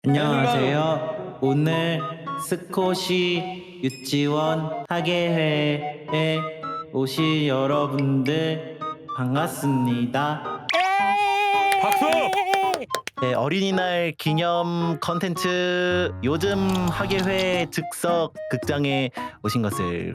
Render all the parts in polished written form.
안녕하세요. 오늘 스코시 유치원 학예회에 오신 여러분들 반갑습니다. 박수! 네, 어린이날 기념 컨텐츠 요즘 학예회 즉석 극장에 오신 것을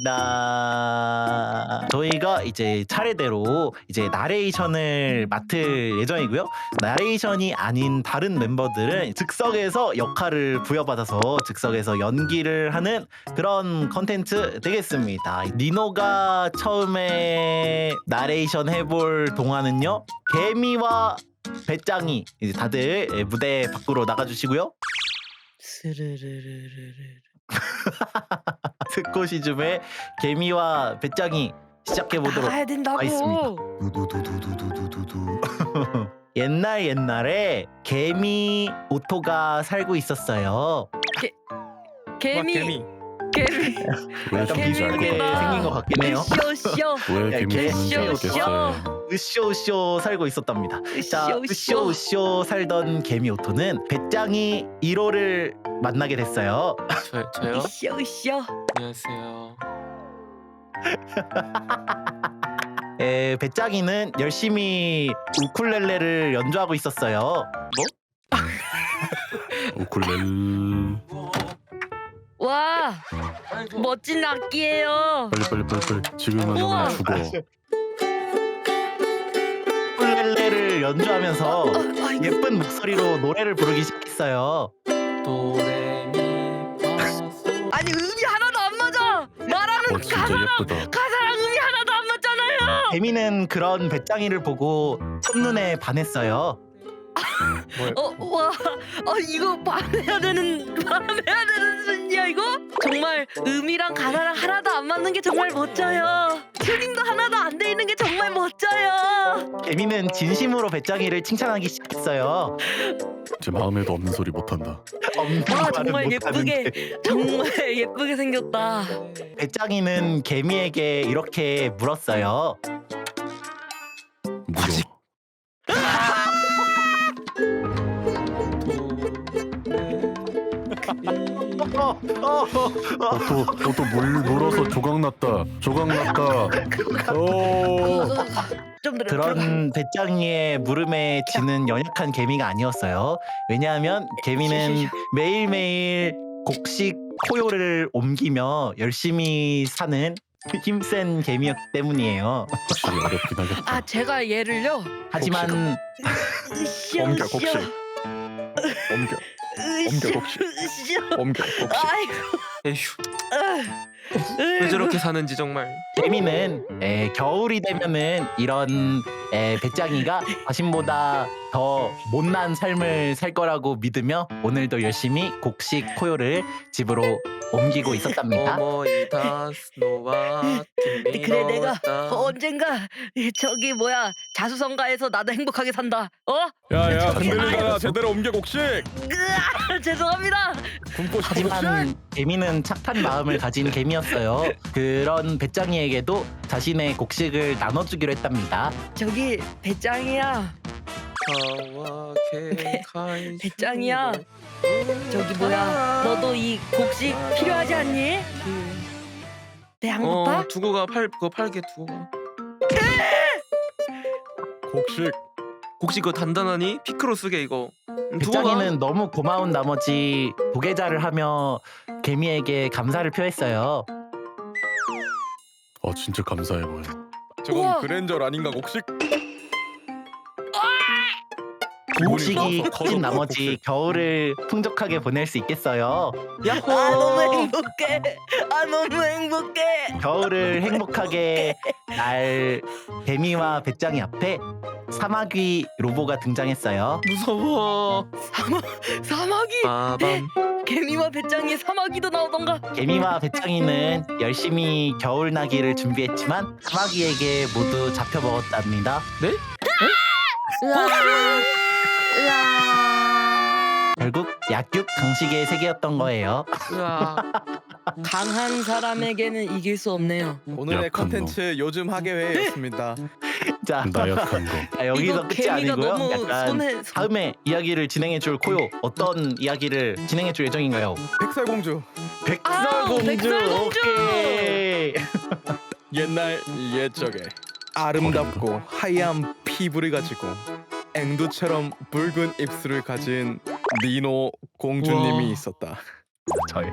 환영합니다. 저희가 이제 차례대로 이제 나레이션을 맡을 예정이고요. 나레이션이 아닌 다른 멤버들은 즉석에서 역할을 부여받아서 즉석에서 연기를 하는 그런 컨텐츠 되겠습니다. 니노가 처음에 나레이션 해볼 동화는요, 개미와 배짱이. 이제 다들 무대 밖으로 나가주시고요. 스르르르르르. 스코시즘의 개미와 배짱이 시작해보도록 나가야 된다고. 하겠습니다. 두두두두두두두두. 옛날에 개미 오토가 살고 있었어요. 개미. 왜 약간 개미 비슷하게 개미구나. 생긴 것 같긴 해요. 으쌰으쌰. 왜 야, 개미 개- 죽는지 으쌰, 알겠어요. 으쇼으쇼 살고 있었답니다. 자, 으쌰으쌰. 으쇼으쇼 살던 개미 오토는 배짱이 1호를 만나게 됐어요. 저요? 으쌰으쌰. 안녕하세요. 배짱이는 열심히 우쿨렐레를 연주하고 있었어요. 우쿨렐. 와, 멋진 악기예요. 빨리. 지금 우와. 하면 죽어. 우쿨렐레를 연주하면서 아이고. 예쁜 목소리로 노래를 부르기 시작했어요. 도레미파솔. 아니 음이 하나도 안 맞아. 나라는 진짜 가사랑 예쁘다. 음이 하나도 안 맞잖아요. 개미는 그런 배짱이를 보고 첫눈에 반했어요. 와, 이거 반해야 되는 순이야 이거? 정말 음이랑 가사랑 하나도 안 맞는 게 정말 멋져요. 튜닝도 하나도 안 돼 있는 게 정말 멋져요. 개미는 진심으로 배짱이를 칭찬하기 시작했어요. 제 마음에도 없는 소리 못한다. 없는 와, 말은 정말 못하는데. 정말 예쁘게 생겼다. 배짱이는 개미에게 이렇게 물었어요. 물어. 또물 물어서 조각났다. 좀 들어. 그런 배짱이의 물음에 지는 연약한 개미가 아니었어요. 왜냐하면 개미는 매일매일 곡식 포요를 옮기며 열심히 사는 힘센 개미였기 때문이에요. 확실히 어렵긴 하겠다. 제가 얘를요. 하지만 옮겨, 곡식. 옮겨 곡식. 옮겨 곡식. 아이고. 에휴, 왜 저렇게 사는지 정말. 개미는 겨울이 되면은 이런 배짱이가 자신보다 더 못난 삶을 살 거라고 믿으며 오늘도 열심히 곡식 포요를 집으로 옮기고 있었답니다. 어머이다 스노와 그래 내가 언젠가 저기 뭐야 자수성가에서 나도 행복하게 산다. 야야 저기, 흔들리다가 제대로 옮겨 곡식. 죄송합니다. 군포 하지만 개미는 착한 마음을 가진 개미였어요. 그런 배짱이에게도 자신의 곡식을 나눠주기로 했답니다. 저기 배짱이야. 배짱이야. 저기 뭐야 너도 이 곡식 필요하지 않니? 내 안 고파? 두고 가. 그거 팔게 두고 가. 곡식. 곡식 그거 단단하니? 피크로 쓰게 이거. 두고 가. 배짱이는 너무 고마운 나머지 도계자를 하며 개미에게 감사를 표했어요. 진짜 감사해 보여. 우와. 그랜저 아닌가 곡식? 곡식이 커진 나머지 겨울을 풍족하게 보낼 수 있겠어요. 야호. 너무 행복해. 너무 행복해. 겨울을 행복하게 날 개미와 배짱이 앞에 사마귀 로보가 등장했어요. 무서워. 사마귀. 빠밤. 개미와 배짱이의 사마귀도 나오던가. 개미와 배짱이는 열심히 겨울나기를 준비했지만 사마귀에게 모두 잡혀먹었답니다. 네? 결국 약육 강식의 세계였던 거예요. 으아. 강한 사람에게는 이길 수 없네요. 오늘의 약한 컨텐츠 요즘 학예회였습니다. 자, 나약한 거. 여기서 이거 끝이 개미가 아니고요. 너무 약간 손에 다음에 이야기를 진행해줄 코요. 어떤 이야기를 진행해줄 예정인가요? 백설공주. 백설공주. 백설공주! 오케이. 옛날 옛적에 아름답고 하얀 피부를 가지고 앵두처럼 붉은 입술을 가진 니노 공주님이 우와. 있었다. 저예요.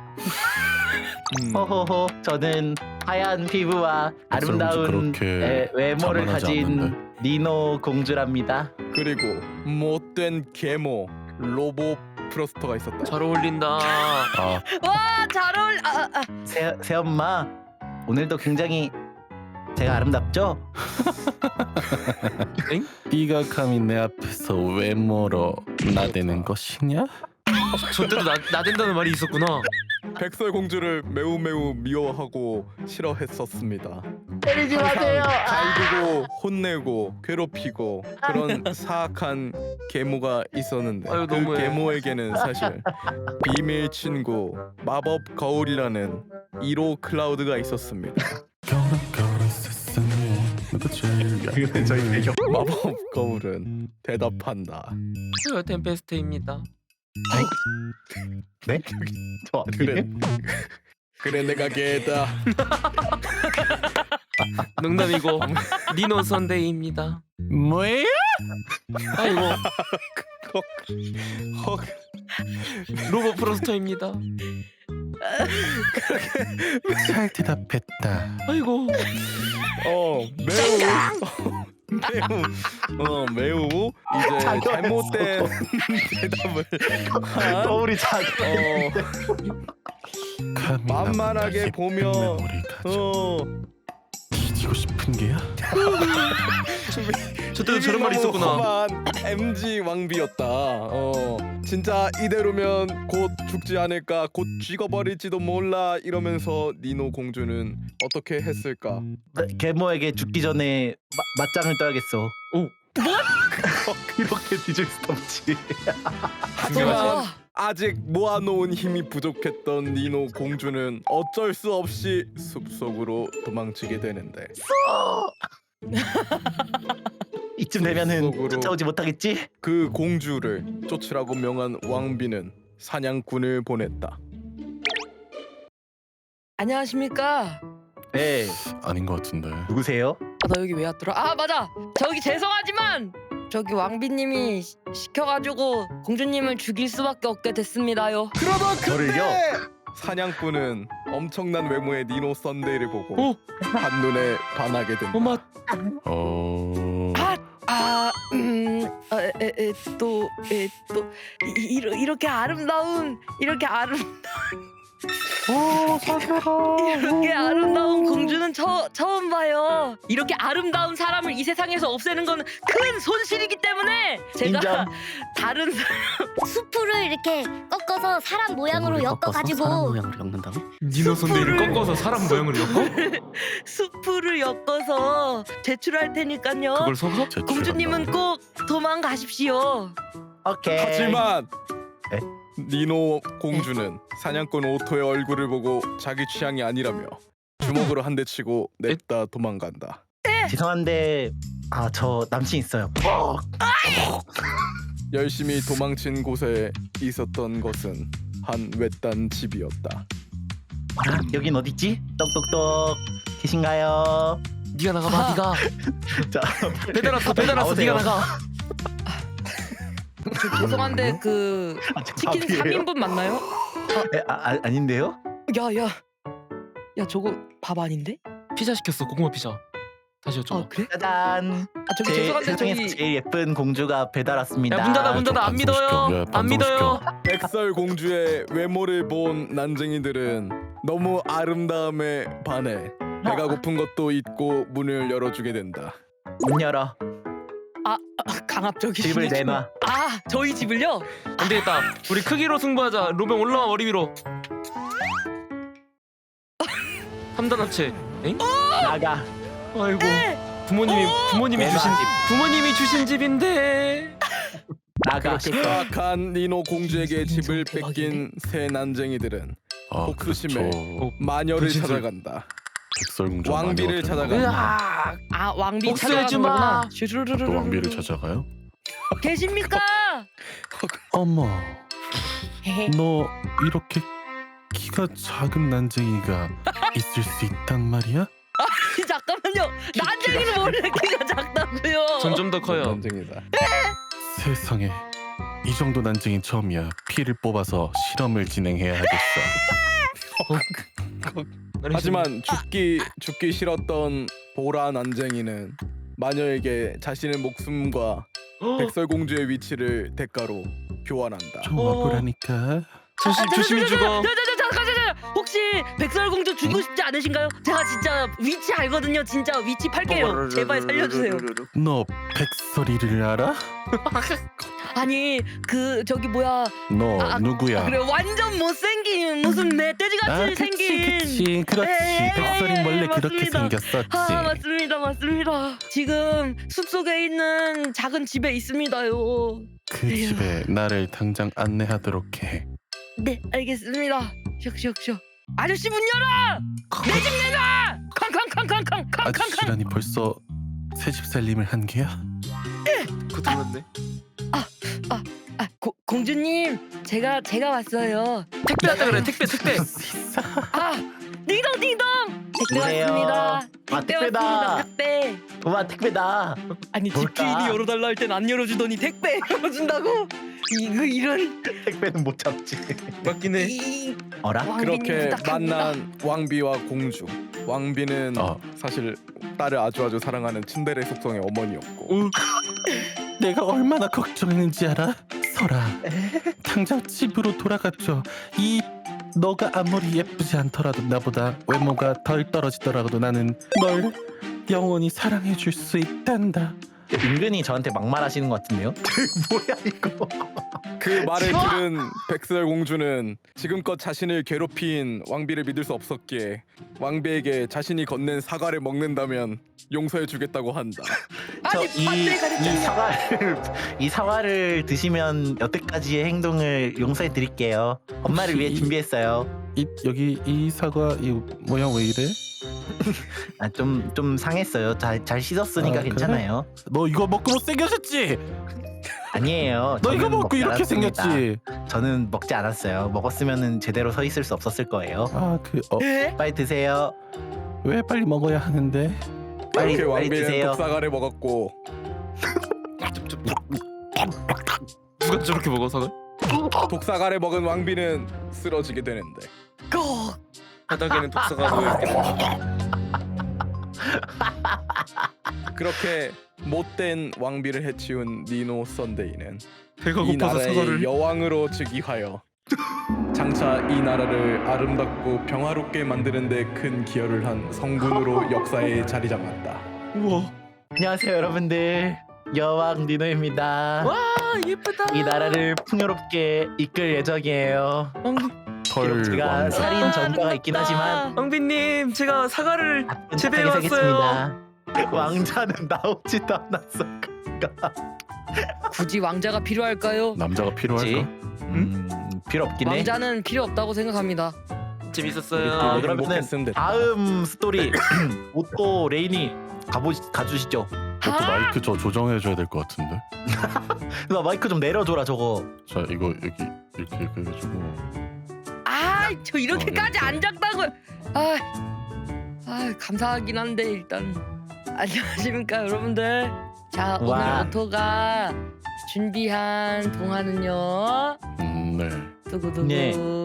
음, 호호호. 저는 하얀 피부와 아름다운 그렇게 외모를 자만하지 가진 않는데. 니노 공주랍니다. 그리고 못된 계모 로보 프로스터가 있었다. 잘 어울린다. 아, 와잘 어울. 새엄마 오늘도 굉장히 제가 아름답죠? 네가 감히 내 앞에서 외모로 나대는 것이냐? 저 때도 나댄다는 말이 있었구나. 백설공주를 매우 미워하고 싫어했었습니다. 때리지 마세요. 갈구고 혼내고 괴롭히고 그런 사악한 계모가 있었는데 아유, 그 너무해. 계모에게는 사실 비밀 친구 마법 거울이라는 1호 클라우드가 있었습니다. 겨울은 세상에 너가 제일 저희 마법 거울은 대답한다. 저 템페스트입니다. 네? 저 그래, 그래 내가 걔다. 농담이고 니노 선데이입니다. 뭐예요? 아이고 헉, 로보 프로스터입니다. 잘 대답했다. 아이고 매우 이제 잘못된 대답을 한 거울이 작아. 감히 만만하게 나보다 보면, 예쁜 메모리 가져 뒤지고 싶은 게야? 저 때도 저런 말이 있었구나. 험한 MG 왕비였다. 진짜 이대로면 곧 죽지 않을까, 곧 죽어버릴지도 몰라 이러면서 니노 공주는 어떻게 했을까? 계모에게 죽기 전에 맞짱을 떠야겠어. 오. 이렇게 뒤질 수 없지. 하지만 아직 모아놓은 힘이 부족했던 니노 공주는 어쩔 수 없이 숲속으로 도망치게 되는데 이쯤 되면은 속으로. 쫓아오지 못하겠지? 그 공주를 쫓으라고 명한 왕비는 사냥꾼을 보냈다. 안녕하십니까? 네. 아닌 것 같은데. 누구세요? 나 여기 왜 왔더라? 아 맞아. 저기 죄송하지만 저기 왕비님이 시켜가지고 공주님을 죽일 수밖에 없게 됐습니다요. 그러던 저를요? 그때 사냥꾼은 엄청난 외모의 니노 썬데이를 보고 오. 한눈에 반하게 된다. 엄마 이렇게 아름다운 이렇게 아름다운 공주는 처음 봐요. 이렇게 아름다운 사람을 이 세상에서 없애는 건 큰 손실이기 때문에 제가 인정. 다른 수프를 이렇게 꺾어서 사람 모양으로 엮어가지고 엮는다고? 니노 선데이를 꺾어서 사람 모양으로 엮어? 수프를 엮어서 제출할 테니까요. 그걸 속아? 공주님은 꼭 도망가십시오. 오케이. 하지만 네? 니노 공주는 사냥꾼 오토의 얼굴을 보고 자기 취향이 아니라며 주먹으로 한 대 치고 냈다 도망간다. 죄송한데 저 남친 있어요. 열심히 도망친 곳에 있었던 것은 한 외딴 집이었다. 여긴 어디지? 똑똑똑 계신가요? 네가 나가봐. 네가 자, 배달 왔어. 배달 왔어. 나오세요. 네가 나가. 저 죄송한데 그 치킨 밥이에요? 3인분 맞나요? 아닌데요? 야 저거 밥 아닌데? 피자 시켰어. 고구마 피자. 다시 여쭤봐. 아 그래? 짜잔. 저기 죄송한데 세상에서 저기 제일 예쁜 공주가 배달 왔습니다. 야, 문 닫아. 문 닫아. 안 믿어요. 안 믿어요. 백설 공주의 외모를 본 난쟁이들은 너무 아름다움에 반해 배가 고픈 것도 잊고 문을 열어주게 된다. 문 열어. 강압적이시네. 집을 내놔. 저희 집을요? 안 되겠다. 우리 크기로 승부하자. 로병 올라와 머리 위로. 3단 합체. 엥? 나가. 아이고. 부모님이 주신 집인데. 나가. 사악한 니노 공주에게 집을 뺏긴 새 난쟁이들은 복수심에 마녀를 분신술. 찾아간다. 백설공주 왕비를 찾아가. 으악. 아 왕비 복수해주마. 찾아가는구나. 또 왕비를 찾아가요? 계십니까? 어머, 헤헤. 너 이렇게 키가 작은 난쟁이가 있을 수 있단 말이야? 잠깐만요. 난쟁이는 원래 키가 작다고요. 점점 더 커요. 난쟁이다. 세상에, 이 정도 난쟁이 처음이야. 피를 뽑아서 실험을 진행해야 하겠어. 하지만 죽기 싫었던 보라 난쟁이는 마녀에게 자신의 목숨과 백설공주의 위치를 대가로 교환한다. 좀 와보라니까. 조심히 죽어. 잠깐. 혹시 백설공주 죽고 싶지 않으신가요? 제가 진짜 위치 알거든요. 진짜 위치 팔게요. 제발 살려주세요. 너 백설이를 알아? 아니 그 저기 뭐야? 너 누구야? 그래 완전 못생긴 무슨 멧돼지같이 생긴. 그렇지. 예, 백설이 원래 그렇게 맞습니다. 생겼었지. 아 맞습니다. 지금 숲속에 있는 작은 집에 있습니다요. 그 집에 나를 당장 안내하도록 해. 네 알겠습니다. 슉슉슉. 아저씨 문 열어! 내 집 내놔! 康康康康康康康. 아저씨라니 벌써 새집 살림을 한 게야? 고통났네. 공주님 제가 왔어요. 택배 왔다 그래. 택배. 아 딩동딩동 택배 누구세요? 왔습니다. 아, 택배다. 왔습니다. 택배. 우와 택배다. 아니 뭘까? 집주인이 열어달라 할 땐 안 열어주더니 택배 열어준다고? 이런 택배는 못 잡지. 맞긴 해. 이 어라? 왕비님 그렇게 부탁합니다. 만난 왕비와 공주. 왕비는 사실 딸을 아주 사랑하는 츤데레 속성의 어머니였고 내가 얼마나 걱정했는지 알아? 설아, 당장 집으로 돌아가줘. 너가 아무리 예쁘지 않더라도 나보다 외모가 덜 떨어지더라도 나는 널 영원히 사랑해줄 수 있단다. 은근히 저한테 막말하시는 것 같은데요? 뭐야 이거? 그 말을 들은 백설공주는 지금껏 자신을 괴롭힌 왕비를 믿을 수 없었기에 왕비에게 자신이 건넨 사과를 먹는다면 용서해주겠다고 한다. 아니 이 반대 가르쳤냐? 사과를 드시면 여태까지의 행동을 용서해 드릴게요. 엄마를 위해 준비했어요. 여기 이 사과 이 모양 왜 이래? 아, 좀 상했어요. 잘 씻었으니까 아, 그래? 괜찮아요. 너 이거 먹고 못생겨졌지? 아니에요. 너 이거 저는 먹고 먹지 이렇게 않았습니다. 생겼지? 저는 먹지 않았어요. 먹었으면은 제대로 서 있을 수 없었을 거예요. 에? 빨리 드세요. 왜 빨리 먹어야 하는데? 빨리 이렇게 왕비는 드세요. 독사과를 먹었고 누가 저렇게 먹어 사과? 독사과를 먹은 왕비는 쓰러지게 되는데 꼭. 바닥에는 독사가 놓여있겠네. 그렇게 못된 왕비를 해치운 니노 선데이는 배가 이 고파서 나라의 사과를. 여왕으로 즉위하여 장차 이 나라를 아름답고 평화롭게 만드는 데 큰 기여를 한 성군으로 역사에 자리 잡았다. 우와. 안녕하세요 여러분들. 여왕 니노입니다. 와 예쁘다. 이 나라를 풍요롭게 이끌 예정이에요. 비록 제가 왕자. 살인 전과가 있긴 하지만 왕비님 제가 사과를 제대해 착하게 왔어요. 살겠습니다. 왕자는 나오지도 않았어. 굳이 왕자가 필요할까요? 남자가 필요할까? 필요 없긴 해. 왕자는 필요 없다고 생각합니다. 재밌었어요. 아, 그러면은 행복했으면 됐다. 다음 스토리 오토 레인이 가주시죠. 그것도 마이크 저 조정해줘야 될 것 같은데. 나 마이크 좀 내려줘라 저거. 자 이거 여기 이렇게 해가지고 저 이렇게까지 이렇게. 안 작다고요. 감사하긴 한데 일단 안녕하십니까 여러분들. 자 와. 오늘 오토가 준비한 동화는요. 네. 두구두구. 네.